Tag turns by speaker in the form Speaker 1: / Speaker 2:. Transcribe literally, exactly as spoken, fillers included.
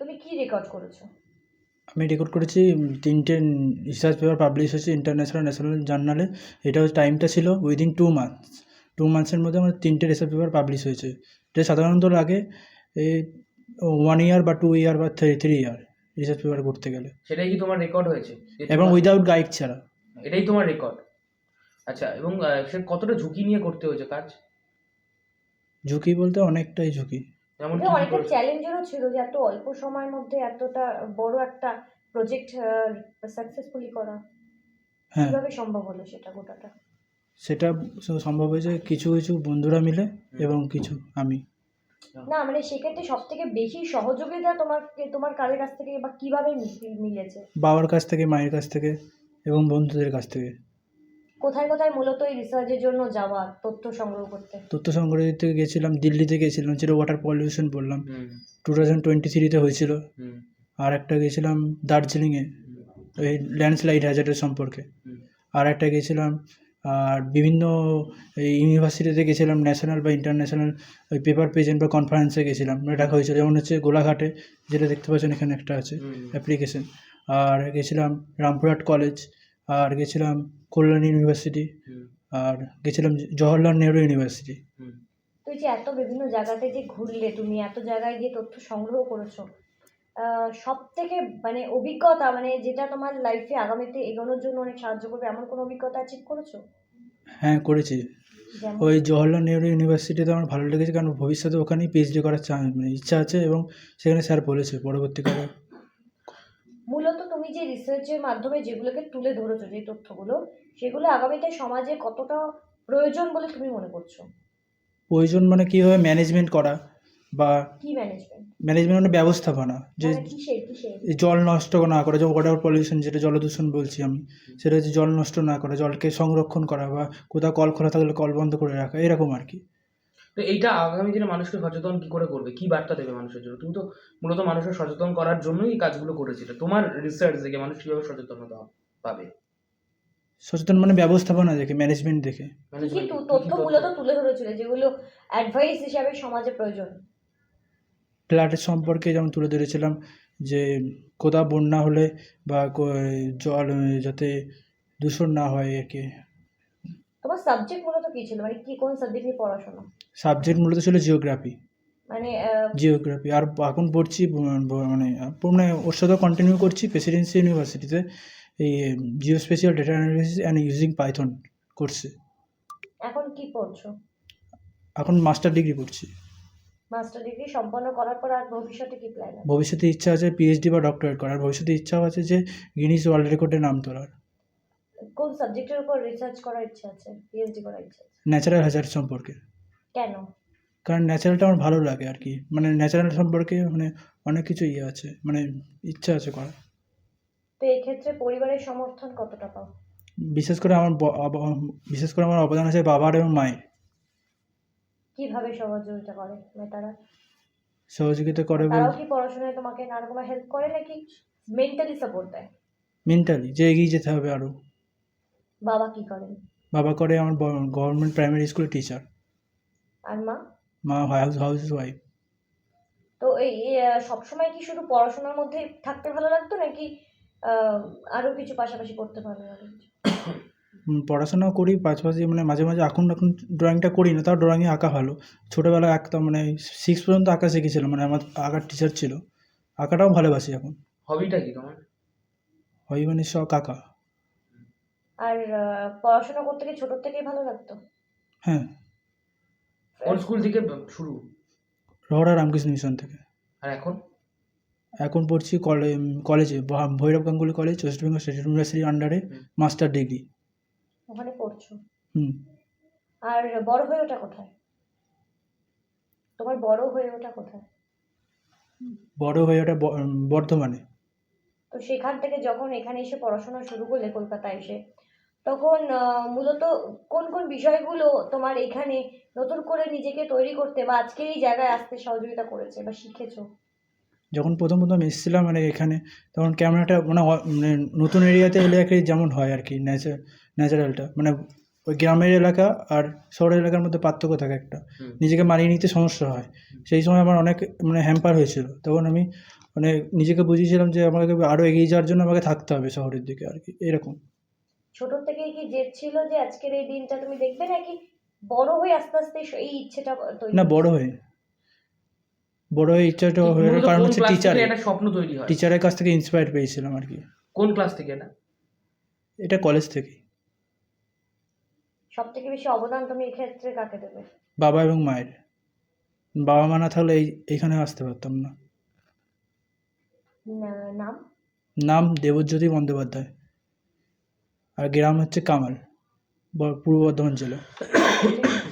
Speaker 1: তুমি কি রেকর্ড করেছো?
Speaker 2: আমি রেকর্ড করেছি তিনটে রিসার্চ পেপার পাবলিশ হয়েছে ইন্টারন্যাশনাল ন্যাশনাল জার্নালে। এটা টাইমটা ছিল উইদিন টু মান্থস টু মান্থসের মধ্যে আমার তিনটে রিসার্চ পেপার পাবলিশ হয়েছে। এটা সাধারণত লাগে এই ওয়ান ইয়ার বা টু ইয়ার বা three three year research paper করতে গেলে।
Speaker 3: সেটাই কি তোমার রেকর্ড হয়েছে?
Speaker 2: এবং উইদাউট গাইড ছাড়া।
Speaker 3: এটাই তোমার রেকর্ড? আচ্ছা, এবং সে কতটা ঝুঁকি নিয়ে করতে হয়েছে কাজ?
Speaker 2: ঝুঁকি বলতে অনেকটাই ঝুঁকি।
Speaker 3: যেমন
Speaker 1: এটা অনেকটা চ্যালেঞ্জেরও ছিল যে এত অল্প সময়ের মধ্যে এতটা বড় একটা প্রজেক্ট সাকসেসফুলি করা।
Speaker 2: হ্যাঁ,
Speaker 1: কিভাবে সম্ভব হলো সেটা গোটাটা?
Speaker 2: সেটা সম্ভব হয়েছে কিছু কিছু বন্ধুরা মিলে এবং কিছু আমি।
Speaker 1: না মানে সেক্ষেত্রে সব থেকে বেশি সহযোগিতা তোমার তোমার কারের কাছ থেকে বা কিভাবে মিলেছে?
Speaker 2: বাবার কাছ থেকে, মায়ের কাছ থেকে এবং বন্ধুদের কাছ থেকে।
Speaker 1: কোথায় কোথায় মূলত এই রিসার্চের জন্য যাওয়া, তথ্য সংগ্রহ করতে?
Speaker 2: তথ্য সংগ্রহ করতে গেছিলাম, দিল্লিতে গেছিলাম, যেটা ওয়াটার পলিউশন বললাম, টু থাউজেন্ড টোয়েন্টি থ্রিতে হয়েছিল। আর একটা গেছিলাম দার্জিলিংয়ে, ওই ল্যান্ডস্লাইড হ্যাজার্ডের সম্পর্কে। আর একটা গেছিলাম আর বিভিন্ন ইউনিভার্সিটিতে গেছিলাম, ন্যাশনাল বা ইন্টারন্যাশনাল ওই পেপার প্রেজেন্ট বা কনফারেন্সে গেছিলাম। এটা হয়েছিল যেমন হচ্ছে গোলাঘাটে, যেটা দেখতে পাচ্ছেন এখানে একটা আছে অ্যাপ্লিকেশন। আর গেছিলাম রামপুরহাট কলেজ, আর গেছিলাম কল্যাণী ইউনিভার্সিটি, আর গেছিলাম জওহরলাল নেহরু ইউনিভার্সিটি।
Speaker 1: তুই যে এত বিভিন্ন জায়গাতে যে ঘুরলে, তুমি এত জায়গায় গিয়ে তথ্য সংগ্রহ করেছো, সব থেকে মানে অভিজ্ঞতা মানে যেটা তোমার লাইফে আগামীতে এগোনোর জন্য অনেক সাহায্য করবে এমন কোনো অভিজ্ঞতা অ্যাচিভ করেছো?
Speaker 2: হ্যাঁ, করেছি। ওই জওহরলাল নেহরু ইউনিভার্সিটিতে আমার ভালো লেগেছে, কারণ ভবিষ্যতে ওখানেই পিএইচডি করার চা মানে ইচ্ছা আছে, এবং সেখানে স্যার বলেছে পরবর্তীকালে।
Speaker 1: মূলত তুমি যে রিসার্চের মাধ্যমে যেগুলোকে তুলে ধরেছো, যে তথ্যগুলো, সেগুলো আগামীতে সমাজে কতটা প্রয়োজন বলে তুমি মনে করছো?
Speaker 2: প্রয়োজন মানে কীভাবে ম্যানেজমেন্ট করা, বা
Speaker 1: কি ম্যানেজমেন্ট?
Speaker 2: ম্যানেজমেন্ট মানে ব্যবস্থাপনা, যে
Speaker 1: মানে কিসের কিসের?
Speaker 2: জল নষ্ট না করা, যেমন ওয়াটার পলিউশন, যেটা জলদূষণ বলছি আমি, সেটা হচ্ছে জল নষ্ট না করা, জলকে সংরক্ষণ করা, বা কোথাও কল খোলা থাকলে কল বন্ধ করে রাখা, এরকম আর কি।
Speaker 3: তো এইটা আগামী দিনে মানুষকে সচেতন কি করে করবে, কি বার্তা দেবে মানুষের জন্য? তুমি তো মূলত মানুষের সচেতন করার জন্যই এই কাজগুলো করেছিলে। তোমার রিসার্চ দেখে মানুষ কিভাবে সচেতনতা পাবে?
Speaker 2: সচেতন মানে ব্যবস্থাপনা দেখে, ম্যানেজমেন্ট দেখে।
Speaker 1: কি তথ্য মূলত তুলে ধরেছিল যেগুলো অ্যাডভাইস হিসাবে সমাজে প্রয়োজন?
Speaker 2: ফ্ল্যাটের সম্পর্কে যেমন তুলে ধরেছিলাম, যে কোথাও বন্যা হলে বা জল যাতে দূষণ না হয় আর কি।
Speaker 1: তোমার সাবজেক্ট মূলত কি ছিল, মানে কি কোন সাবজেক্ট নিয়ে পড়াশোনা?
Speaker 2: সাবজেক্ট মূলত ছিল জিওগ্রাফি।
Speaker 1: মানে
Speaker 2: জিওগ্রাফি। আর এখন পড়ছি মানে মানে ওর সাথে কন্টিনিউ করছি প্রেসিডেন্সি ইউনিভার্সিটিতে, এই geospatial data analysis and using Python কোর্সে।
Speaker 1: এখন কি পড়ছো?
Speaker 2: এখন মাস্টার ডিগ্রি করছি।
Speaker 1: মাস্টার ডিগ্রি সম্পন্ন করার পর আর ভবিষ্যতে কি প্ল্যান আছে?
Speaker 2: ভবিষ্যতে ইচ্ছা আছে পিএইচডি বা ডক্টরেট করার। ভবিষ্যতে ইচ্ছাও আছে যে গিনিস ওয়ার্ল্ড রেকর্ডে নাম তোলার।
Speaker 1: কোন সাবজেক্টের উপর রিসার্চ করার ইচ্ছা আছে, পিএইচডি করার ইচ্ছা আছে?
Speaker 2: ন্যাচারাল হ্যাজার্ড সম্পর্কে।
Speaker 1: কেন?
Speaker 2: কারণ ন্যাচারালটা আমার ভালো লাগে আর কি, মানে ন্যাচারাল সম্পর্কে মানে অনেক কিছু ইয়ে আছে, মানে ইচ্ছা আছে করার।
Speaker 1: তো এই ক্ষেত্রে পরিবারের সমর্থন কতটা পাও?
Speaker 2: বিশেষ করে আমার বিশেষ করে আমার অবদান আছে বাবার এবং মায়ের।
Speaker 1: কিভাবে সহযোগিতা করে মানে তারা?
Speaker 2: সহযোগিতা করে বল,
Speaker 1: তারাও কি পড়াশোনায় তোমাকে নানা রকম হেল্প করে নাকি মেন্টালি সাপোর্ট দেয়?
Speaker 2: মেন্টালি, যে এগিয়ে যেতে হবে আরও।
Speaker 1: বাবা কি করেন?
Speaker 2: বাবা করে আমার গভর্নমেন্ট প্রাইমারি স্কুলের টিচার।
Speaker 1: আর মা?
Speaker 2: মা হাউস হাউস ওয়াইফ।
Speaker 1: তো এই সবসময় কি শুধু পড়াশোনার মধ্যে থাকতে ভালো লাগতো নাকি আরও কিছু পাশাপাশি করতে ভালো লাগে?
Speaker 2: পড়াশোনাও করি পাশাপাশি, মানে মাঝে মাঝে এখন এখন ড্রয়িংটা করি না, তাও ড্রয়িংয়ে আঁকা ভালো। ছোটোবেলায় আঁকতাম, মানে সিক্স পর্যন্ত আঁকা শিখেছিলাম, মানে আমার আঁকার টিচার ছিল। আঁকাটাও ভালোবাসি এখন।
Speaker 3: হবিটা কি তোমার?
Speaker 2: হবি মানে শখ আঁকা।
Speaker 1: আর পড়াশোনা করতে কি ছোট থেকেই ভালো লাগতো?
Speaker 2: হ্যাঁ।
Speaker 3: কোন স্কুল থেকে শুরু?
Speaker 2: রহড়া রামকৃষ্ণ মিশন থেকে।
Speaker 3: আর এখন?
Speaker 2: এখন পড়ছি কলেজে, Bhairab Ganguly college, West Bengal State ইউনিভার্সিটির আন্ডারে মাস্টার ডিগ্রি।
Speaker 1: ওখানে পড়ছো?
Speaker 2: হুম।
Speaker 1: আর বড় হয়ে ওঠা কোথায়? তোমার বড় হয়ে ওঠা কোথায়?
Speaker 2: বড় হয়ে ওঠা বর্ধমানে।
Speaker 1: তো সেখান থেকে যখন এখানে এসে পড়াশোনা শুরু করলে কলকাতায় এসে, তখন মূলত কোন কোন বিষয়গুলো তোমার এখানে নতুন করে নিজেকে তৈরি করতে বা আজকের এই জায়গায় আসতে সহযোগিতা করেছে বা শিখেছো?
Speaker 2: যখন প্রথম প্রথম এসেছিলাম মানে এখানে, তখন কেমন একটা মানে নতুন এরিয়াতে এলে আর কি যেমন হয় আর কি, ন্যাচার ন্যাচারালটা মানে ওই গ্রামের এলাকা আর শহরের এলাকার মধ্যে পার্থক্য থাকে একটা,
Speaker 3: হুম।
Speaker 2: নিজেকে মানিয়ে নিতে সমস্যা হয়। সেই সময় আমার অনেক মানে হ্যাম্পার হয়েছিল, তখন আমি মানে নিজেকে বুঝিয়েছিলাম যে আমাকে আরও এগিয়ে যাওয়ার জন্য আমাকে থাকতে হবে শহরের দিকে আর কি, এরকম।
Speaker 1: ছোট থেকেই কি জেদ ছিল যে আজকের এই দিনটা তুমি দেখবে, নাকি বড় হয়ে আস্তে আস্তে এই ইচ্ছেটা তৈরি
Speaker 2: না,
Speaker 1: হয়েছে?
Speaker 2: বড় হয়ে বড় হয়ে ইচ্ছাটা
Speaker 3: তো
Speaker 2: হয়ে
Speaker 3: মূলত
Speaker 2: কারণ
Speaker 3: কোন
Speaker 2: হচ্ছে
Speaker 3: ক্লাস
Speaker 2: টিচার,
Speaker 3: থেকে একটা স্বপ্ন তৈরি হয়?
Speaker 2: টিচারের কাছ থেকে ইন্সপায়ার পেয়েছিলাম আর কি।
Speaker 3: কোন ক্লাস থেকে এটা?
Speaker 2: এটা কলেজ থেকে।
Speaker 1: সব থেকে বেশি অবদান তুমি এক্ষেত্রে কাকে দেবে?
Speaker 2: বাবা এবং মায়ের। বাবা মা না থাকলে এই এইখানে আসতে পারতাম না।
Speaker 1: না- নাম?
Speaker 2: নাম দেবজ্যোতি বন্দ্যোপাধ্যায়, আর গ্রাম হচ্ছে কামাল, ব- পূর্ব বর্ধমান জেলা।